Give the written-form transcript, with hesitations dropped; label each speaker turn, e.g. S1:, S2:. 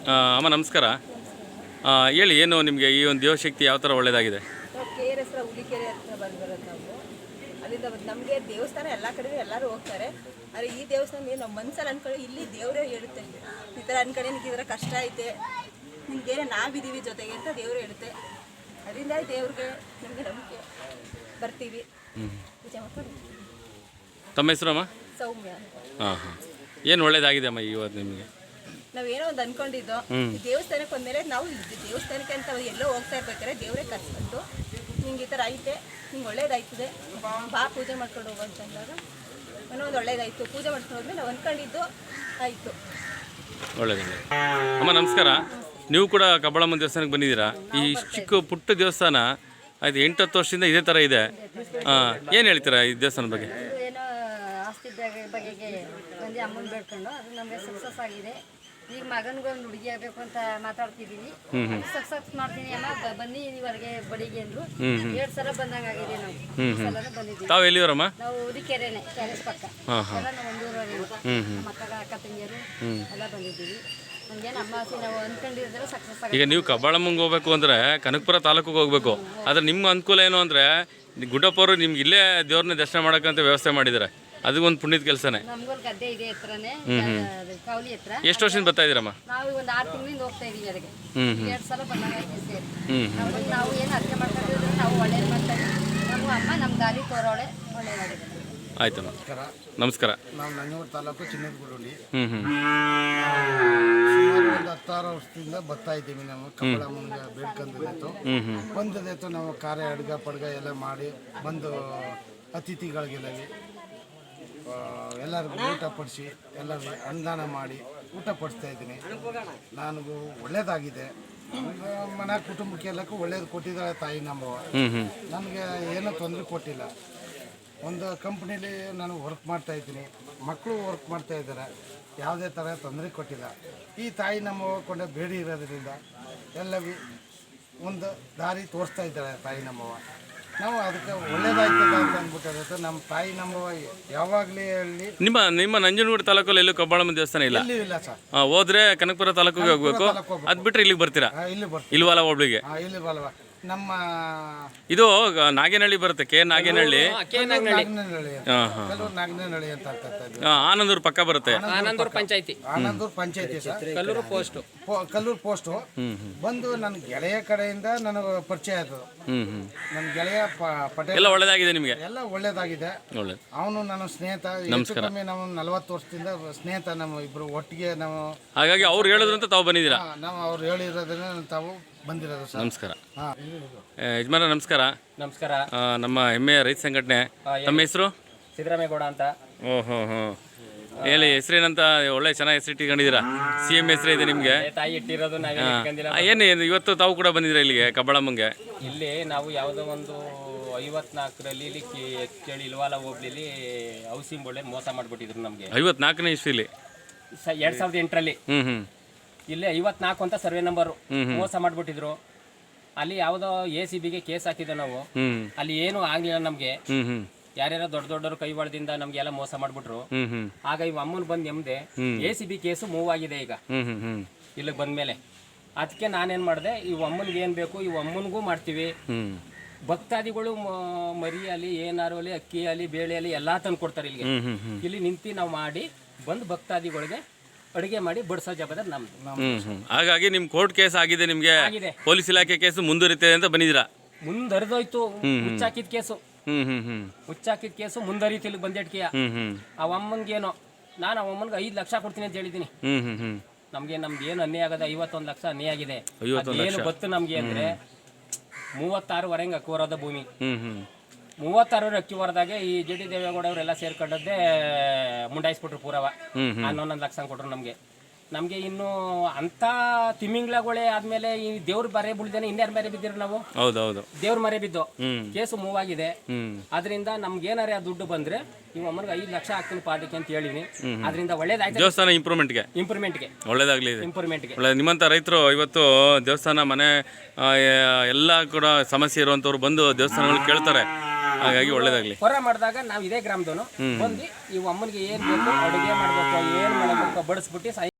S1: ಅಮ್ಮ ನಮಸ್ಕಾರ. ಹೇಳಿ, ಏನು ನಿಮಗೆ ಈ ಒಂದು ದೇವಶಕ್ತಿ ಯಾವ ಥರ ಒಳ್ಳೆಯದಾಗಿದೆ?
S2: KR ಹತ್ರ ಹುಲಿಕೆರೆ ಹತ್ರ ಬಂದಿರೋದು ನಾವು. ಅಲ್ಲಿಂದ ನಮಗೆ ದೇವಸ್ಥಾನ ಎಲ್ಲ ಕಡೆ ಎಲ್ಲರೂ ಹೋಗ್ತಾರೆ. ಆದರೆ ಈ ದೇವಸ್ಥಾನ ನಮ್ಮ ಮನಸ್ಸಲ್ಲಿ ಅನ್ಕೊಳ್ಳಿ, ಇಲ್ಲಿ ದೇವರೇ ಹೇಳುತ್ತೆ ಈ ಥರ ಅನ್ಕೊಳ್ಳಿ, ನಿನಗೆ ಇದರ ಕಷ್ಟ ಐತೆ, ನಿಮಗೇನೆ ನಾವಿದ್ದೀವಿ ಜೊತೆಗೆ ಅಂತ ದೇವರು ಹೇಳುತ್ತೆ. ಅದರಿಂದ ದೇವ್ರಿಗೆ ನಮಗೆ ನಂಬಿಕೆ ಬರ್ತೀವಿ. ಪೂಜೆ ಮಾಡ್ಕೊಂಡು.
S1: ತಮ್ಮ ಹೆಸರು ಅಮ್ಮ?
S2: ಸೌಮ್ಯ.
S1: ಏನು ಒಳ್ಳೇದಾಗಿದೆ ಅಮ್ಮ ಇವತ್ತು ನಿಮಗೆ?
S2: ನಾವೇನೋ ಒಂದು ಅನ್ಕೊಂಡಿದ್ದೋ, ದೇವಸ್ಥಾನಕ್ಕೆ ಬಂದಮೇಲೆ ನಾವು ದೇವಸ್ಥಾನಕ್ಕೆ ಅಂತ ಎಲ್ಲೋ ಹೋಗ್ತಾ ಇರ್ಬೇಕಾದ್ರೆ ದೇವರೇ ಕರ್ಸ್ಕೊಂಡು ನಿಂಗೆ ಈ ಥರ ಐತೆ, ನಿಂಗೆ ಒಳ್ಳೇದಾಯ್ತದೆ, ಬಾ ಪೂಜೆ ಮಾಡ್ಕೊಂಡು ಹೋಗು ಅಂತಂದಾಗ ಏನೋ ಒಂದು ಒಳ್ಳೇದಾಯಿತು. ಪೂಜೆ ಮಾಡ್ಕೊಂಡು ಹೋದ್ಮೇಲೆ ನಾವು ಅಂದ್ಕೊಂಡಿದ್ದು ಆಯಿತು.
S1: ಒಳ್ಳೇದಾಗಿದೆ ಅಮ್ಮ. ನಮಸ್ಕಾರ. ನೀವು ಕೂಡ ಕಬ್ಬಾಳಮ್ಮ ದೇವಸ್ಥಾನಕ್ಕೆ ಬಂದಿದ್ದೀರಾ? ಈ ಚಿಕ್ಕ ಪುಟ್ಟ ದೇವಸ್ಥಾನ ಆಯ್ತು 8-10 ವರ್ಷದಿಂದ ಇದೇ ಥರ ಇದೆ. ಏನು ಹೇಳ್ತೀರಾ ಈ ದೇವಸ್ಥಾನದ ಬಗ್ಗೆ?
S3: ಏನೋ ಆಸ್ತಿ ಬಗೆಗೆ ಬಂದು ಅಮ್ಮನ ಬೇಡ್ಕೊಂಡು ಅದು ನಮಗೆ ಸಕ್ಸಸ್ ಆಗಿದೆ. ಈಗ ಮಗನಿಗೊಂದು ಹುಡುಗಿ ಆಗಬೇಕು ಅಂತ ಮಾತಾಡ್ತಿದ್ದೀವಿ. ಸಕ್ಸಸ್ ಮಾಡ್ತೀನಿ ಅಮ್ಮ, ಬನ್ನಿ ನೀವರೆಗೆ ಬಡಿಗೆ ಅಂದ್ರು. 2 ಸಲ ಬಂದಂಗಾಗಿದೆ ನಾವು. ಸಲನೂ ಬಂದಿದ್ದೀವಿ.
S1: ತಾವು ಎಲ್ಲಿವರಮ್ಮ?
S3: ನಾವು ಉದಿಕೆರೆನೆ, ಕ್ಯಾರೇಜ್ ಪಕ್ಕ ಎಲ್ಲ ನಾವು ಒಂದೂರವರೆಗೂ ಮಕ್ಕಳ ಅಕ್ಕ ತಂಗಿಯರು ಎಲ್ಲ ಬಂದಿದ್ದೀವಿ. ನಮಗೇನು ಅಮ್ಮ ಆಸೆ ನಾವು ಅಂದ್ಕೊಂಡಿದ್ರೆ ಸಕ್ಸಸ್ ಆಗಿದೆ.
S1: ಈಗ ನೀವು ಕಬ್ಬಾಳಮ್ಮಂಗೆ ಹೋಗ್ಬೇಕು ಅಂದರೆ ಕನಕಪುರ ತಾಲೂಕಿಗೆ ಹೋಗ್ಬೇಕು. ಆದರೆ ನಿಮ್ಮ ಅನುಕೂಲ ಏನು ಅಂದರೆ ಗುಡ್ಡಪ್ಪವರು ನಿಮ್ಗೆ ಇಲ್ಲೇ ದೇವ್ರನ್ನ ದರ್ಶನ ಮಾಡೋಕ್ಕಂತ ವ್ಯವಸ್ಥೆ ಮಾಡಿದ್ದಾರೆ. ಅದು ಒಂದು ಪುಣ್ಯದ ಕೆಲಸನೇ.
S3: ನಮ್ಗೊಂದು ಗದ್ದೆ ಇದೆ ಹತ್ರನೇ, ಕಾವಲಿ ಹತ್ರ.
S1: ಎಷ್ಟು ವರ್ಷದಿಂದ ಬರ್ತಾ ಇದ್ದೀರಮ್ಮ?
S3: ನಾವು ಒಂದು 6 ತಿಂಗಳಿಂದ ಹೋಗ್ತಾ ಇದೀವಿ ಅದಕ್ಕೆ. 2 ಸಲ ಬಂದಂಗಾಯ್ತು ಸೇರಿ. ನಾವು ಏನು ಅರ್ಥ ಮಾಡ್ಕೊಂಡಿದ್ರೆ ನಾವು ಒಳ್ಳೇದು ಮಾಡ್ತಾ ಇದ್ದೀವಿ. ನಮ್ಮ ಅಮ್ಮ ನಮ್ಮ ದಾರಿ ತೋರೋಳೆ ಒಳ್ಳೇದಾಗಿದೆ.
S1: ಆಯ್ತಮ್ಮ, ನಮಸ್ಕಾರ.
S4: ನಾವು ನಂಜನಗೂಡು ತಾಲೂಕು ಚಿನ್ನದಗುಡಿ.
S1: ಸುಮಾರು
S4: ಒಂದು 16 ವರ್ಷದಿಂದ ಬರ್ತಾ ಇದ್ದೀವಿ. ನಾವು ಕಬ್ಬಾಳಮ್ಮನಿಗೆ ಬೇಡ್ಕೊಂಡಿದ್ದು ಬಂದದಾಯ್ತು. ನಾವು ಖಾರ ಅಡ್ಗೆ ಪಡ್ಗ ಎಲ್ಲ ಮಾಡಿ ಬಂದು ಅತಿಥಿಗಳಿಗೆಲ್ಲ ಎಲ್ಲರಿಗೂ ಊಟ ಪಡಿಸಿ ಎಲ್ಲರಿಗೂ ಅನುದಾನ ಮಾಡಿ ಊಟ ಪಡಿಸ್ತಾ ಇದ್ದೀನಿ. ನನಗೂ ಒಳ್ಳೇದಾಗಿದೆ. ಮನೆ ಕುಟುಂಬಕ್ಕೆ ಎಲ್ಲಕ್ಕೂ ಒಳ್ಳೇದು ಕೊಟ್ಟಿದ್ದಾಳೆ ತಾಯಿ ನಮ್ಮವ್ವ. ನನಗೆ ಏನೂ ತೊಂದರೆ ಕೊಟ್ಟಿಲ್ಲ. ಒಂದು ಕಂಪ್ನೀಲಿ ನಾನು ವರ್ಕ್ ಮಾಡ್ತಾಯಿದ್ದೀನಿ, ಮಕ್ಕಳು ವರ್ಕ್ ಮಾಡ್ತಾ ಇದ್ದಾರೆ. ಯಾವುದೇ ಥರ ತೊಂದರೆ ಕೊಟ್ಟಿಲ್ಲ. ಈ ತಾಯಿ ನಮ್ಮವ್ವ ಕೊಂಡ ಬೇಡಿ ಇರೋದ್ರಿಂದ ಎಲ್ಲವೂ ಒಂದು ದಾರಿ ತೋರಿಸ್ತಾ ಇದ್ದಾಳೆ ತಾಯಿ ನಮ್ಮವ್ವ. ನಾವು ಅದಕ್ಕೆ ಒಳ್ಳೇದಾಯ್ತದ ಅಂತ ಅಂದ್ಬಿಟ್ಟು ನಮ್ಮ ತಾಯಿ ನಮ್ಮವ್ವ ಯಾವಾಗಲೇ ಹೇಳಿ.
S1: ನಿಮ್ಮ ನಂಜನಗೂಡು ತಾಲೂಕಲ್ಲಿ ಎಲ್ಲೂ ಕಬ್ಬಾಳಮ್ಮ ದೇವಸ್ಥಾನ ಇಲ್ಲ?
S4: ಇಲ್ಲ ಸರ್.
S1: ಹೋದ್ರೆ ಕನಕಪುರ ತಾಲೂಕಿಗೆ ಹೋಗ್ಬೇಕು. ಅದು ಬಿಟ್ಟರೆ ಇಲ್ಲಿಗೆ ಬರ್ತೀರಾ?
S4: ಇಲ್ಲಿ ಬರ್ತೀವಿ.
S1: ಇಲ್ವಲ್ಲ ಒಬ್ಳಿಗೆ?
S4: ಇಲ್ಲಿ ಬಲ್ವ. ನಮ್ಮ
S1: ಇದು ನಾಗೇನಹಳ್ಳಿ ಬರುತ್ತೆ. ನಾಗೇನಹಳ್ಳಿ,
S4: ನಾಗೇನಹಳ್ಳಿ ಅಂತ ಆಗ್ತದೆ.
S1: ಆನಂದೂರು ಪಕ್ಕ ಬರುತ್ತೆ.
S5: ಆನಂದೂರು ಪಂಚಾಯತಿ
S4: ಸರ್.
S5: ಕಲ್ಲೂರು
S4: ಪೋಸ್ಟ್ ಬಂದು ನನ್ನ ಗೆಳೆಯ ಕಡೆಯಿಂದ ನನಗೆ ಪರಿಚಯ ಆಯ್ತು. ನನ್ನ ಗೆಳೆಯ ಪಟೇಲ್.
S1: ಎಲ್ಲ ಒಳ್ಳೇದಾಗಿದೆ ನಿಮಗೆ?
S4: ಎಲ್ಲ ಒಳ್ಳೇದಾಗಿದೆ. ಅವನು ನನ್ನ ಸ್ನೇಹಿತ. ಕಮ್ಮಿ ನಾವು 40 ವರ್ಷದಿಂದ ಸ್ನೇಹಿತ. ನಮ್ಮ ಇಬ್ರು ಒಟ್ಟಿಗೆ ನಾವು.
S1: ಹಾಗಾಗಿ ಅವ್ರು ಹೇಳಿದ್ರಂತ ತಾವು ಬಂದಿದ್ದೀರಾ?
S4: ನಾವು ಅವ್ರು ಹೇಳಿರೋದನ್ನ ತಾವು ಬಂದಿರೋದು ಸರ್.
S1: ನಮಸ್ಕಾರ ಯಜಮಾನ. ನಮಸ್ಕಾರ.
S5: ನಮಸ್ಕಾರ.
S1: ನಮ್ಮ ಹೆಮ್ಮೆಯ ರೈತ ಸಂಘಟನೆ. ತಮ್ಮ ಹೆಸರು?
S5: ಸಿದ್ದರಾಮೇಗೌಡ ಅಂತ.
S1: ಓಹೋ ಹೇಳಿ, ಹೆಸರೇನಂತ? ಒಳ್ಳೆ ಚೆನ್ನಾಗಿ ಹೆಸರು ಇಟ್ಕೊಂಡಿದ್ದೀರಾ. CM ಹೆಸರೇ ಇದೆ ನಿಮಗೆ.
S5: ತಾಯಿ ಇಟ್ಟಿರೋದು
S1: ಏನು ಇವತ್ತು ತಾವು ಕೂಡ ಬಂದಿದ್ದೀರಾ ಇಲ್ಲಿಗೆ ಕಬ್ಬಾಳಮ್ಮಂಗೆ?
S5: ಇಲ್ಲಿ ನಾವು ಯಾವುದೋ ಒಂದು 54ರಲ್ಲಿ ಇಲ್ಲಿ ಕೇಳಿ ಇಲ್ವಾಲ ಹೋಗ್ಲಿ ಹೌಸಿಂಗ್ ಬೋರ್ಡ್ ಮೋಸ ಮಾಡಿಬಿಟ್ಟಿದ್ರು ನಮಗೆ.
S1: 54ನೇ ಇಸ್ವಿಲಿ
S5: 2008ರಲ್ಲಿ ಇಲ್ಲಿ 54 ಅಂತ ಸರ್ವೆ ನಂಬರು ಮೋಸ ಮಾಡಿಬಿಟ್ಟಿದ್ರು. ಅಲ್ಲಿ ಯಾವುದೋ ACBಗೆ ಕೇಸ್ ಹಾಕಿದ್ದೆ ನಾವು. ಅಲ್ಲಿ ಏನು ಆಗ್ಲಿಲ್ಲ ನಮ್ಗೆ. ಯಾರ್ಯಾರೋ ದೊಡ್ಡವರು ಕೈವಾಳದಿಂದ ನಮ್ಗೆಲ್ಲ ಮೋಸ ಮಾಡ್ಬಿಟ್ರು. ಆಗ ಇವ್ ಅಮ್ಮನ್ ಬಂದ್ ನೆಮ್ಮದೆ ACB ಕೇಸು ಮೂವ್ ಆಗಿದೆ ಈಗ ಇಲ್ಲಿಗೆ ಬಂದ್ಮೇಲೆ. ಅದಕ್ಕೆ ನಾನೇನ್ ಮಾಡಿದೆ, ಇವ್ ಅಮ್ಮನ್ಗೆ ಏನ್ ಬೇಕು ಇವ್ ಅಮ್ಮನ್ಗೂ ಮಾಡ್ತೀವಿ. ಭಕ್ತಾದಿಗಳು ಮರಿ ಅಲ್ಲಿ ಏನಾರು ಅಲ್ಲಿ ಅಕ್ಕಿ ಅಲ್ಲಿ ಬೇಳೆ ಅಲ್ಲಿ ಎಲ್ಲಾ ತಂದು ಕೊಡ್ತಾರೆ ಇಲ್ಲಿಗೆ. ಇಲ್ಲಿ ನಿಂತು ನಾವು ಮಾಡಿ ಬಂದು ಭಕ್ತಾದಿಗಳಿಗೆ ಅಡುಗೆ ಮಾಡಿ ಬಡಿಸೋ ಜವಾಬ್ದಾರಿ ನಮ್ದು.
S1: ಹಾಗಾಗಿ ನಿಮ್ ಕೋರ್ಟ್ ಕೇಸ್ ಆಗಿದೆ, ನಿಮ್ಗೆ ಪೊಲೀಸ್ ಇಲಾಖೆ ಕೇಸು ಮುಂದುವರಿತದೆ ಅಂತ ಬಂದಿದ್ದೀರಾ?
S5: ಮುಂದರಿದೋಯ್ತು. ಹುಚ್ಚಾಕಿದ ಕೇಸು ಮುಂದರಿತು. ಇಲ್ಲಿ ಬಂದೇಟ್ಕಿಯ ಆ ಅಮ್ಮನ್ಗೇನೋ ನಾನು ಆ ಅಮ್ಮನ್ಗೆ 5 ಲಕ್ಷ ಕೊಡ್ತೀನಿ ಅಂತ ಹೇಳಿದೀನಿ. ನಮ್ದು ಏನು ಅನ್ಯಾಯ ಆಗದೆ 51 ಲಕ್ಷ ಅನ್ಯಾಯ ಆಗಿದೆ. ಏನು ಗೊತ್ತು ನಮ್ಗೆ ಅಂದ್ರೆ 36 ವರೆಗೆ ಅಕ್ಕಿ ಹೊರದ ಭೂಮಿ. 36 ಅಕ್ಕಿ ಹೊರದಾಗೆ ಈ JD ದೇವೇಗೌಡ ಅವರೆಲ್ಲ ಸೇರ್ಕೊಂಡದ್ದೇ ಮುಂಡಾಯಿಸ್ಬಿಟ್ರು ಪೂರವ. 11 ಲಕ್ಷ ಕೊಟ್ರು ನಮ್ಗೆ ಇನ್ನು ಅಂತ ತಿಮಿಂಗ್ಳಗಳೇ ಆದ್ಮೇಲೆ ಈ ದೇವ್ರ ಬರೆ ಬಿಡ್ದೇನೆ ಇನ್ಯಾರು ಮರೆ ಬಿದ್ದಿರು ನಾವು.
S1: ಹೌದೌದು,
S5: ದೇವ್ರ ಮರೆ ಬಿದ್ದು ಕೇಸು ಮೂವ್ ಆಗಿದೆ. ಅದರಿಂದ ನಮ್ಗೆ ಏನಾರ ದುಡ್ಡು ಬಂದ್ರೆ ನೀವು ಅಮ್ಮನಿಗೆ 5 ಲಕ್ಷ ಹಾಕ್ತೀನಿ ಪಾದಕ್ಕೆ ಅಂತ ಹೇಳಿನಿ. ಅದರಿಂದ ಒಳ್ಳೇದಾಯ್ತು.
S1: ದೇವಸ್ಥಾನ ಇಂಪ್ರೂವ್ಮೆಂಟ್ಗೆ ಒಳ್ಳೇದಾಗ್ಲಿ. ನಿಮ್ಮಂತ ರೈತರು ಇವತ್ತು ದೇವಸ್ಥಾನ ಮನೆ ಎಲ್ಲ ಕೂಡ ಸಮಸ್ಯೆ ಇರುವಂತವ್ರು ಬಂದು ದೇವಸ್ಥಾನಗಳು ಕೇಳ್ತಾರೆ. ಹಾಗಾಗಿ ಒಳ್ಳೇದಾಗ್ಲಿ.
S5: ಹೊರ ಮಾಡಿದಾಗ ನಾವು ಇದೇ ಗ್ರಾಮದವನು ಬಂದು ಈ ಅಮ್ಮನಿಗೆ ಏನ್ ಬೇಕು ಅಡುಗೆ ಮಾಡ್ಬೇಕು, ಏನ್ ಮಾಡಬೇಕು ಬಡಿಸ್ಬಿಟ್ಟು